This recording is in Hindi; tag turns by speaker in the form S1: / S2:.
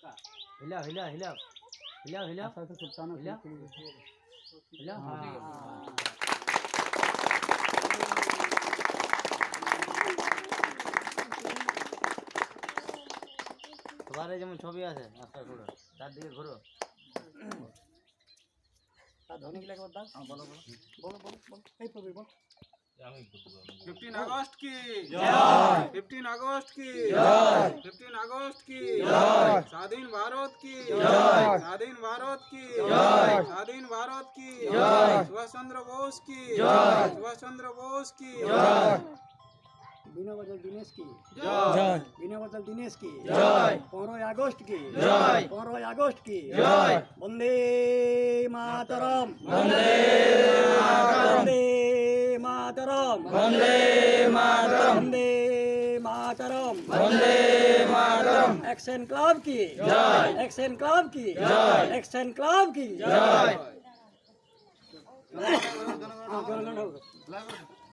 S1: हिलाओ हिलाओ हिलाओ हिलाओ हिलाओ हिलाओ हिलाओ हाँ তোমার যেমন ছবি আছে আস্তে ঘুরো চারদিকে ঘুরো
S2: ধনী গিলা একবার দাও বলো বলো বলো বলো বলো এই প্রবীর বল
S3: 15 अगस्त की
S2: जय
S3: 15 अगस्त की
S2: जय
S3: 15 अगस्त की
S2: जय
S3: स्वाधीन भारत की
S2: जय
S3: स्वाधीन भारत की
S2: जय
S3: स्वाधीन भारत की
S2: जय
S3: सुभाष चंद्र बोस की
S2: जय
S3: सुभाष चंद्र बोस की
S2: जय
S4: बिना बदल दिनेश की
S2: जय
S4: बिना बदल दिनेश की
S2: जय
S4: 15 अगस्त की
S2: जय
S4: 15 अगस्त की
S2: जय
S4: वंदे मातरम
S2: वंदे
S4: मातरम
S2: वंदे मातरम
S4: वंदे मातरम
S2: वंदे मातरम
S4: एक्शन क्लब की
S2: जय
S4: एक्शन क्लब की
S2: जय
S4: एक्शन क्लब की
S2: जय
S4: हाँ,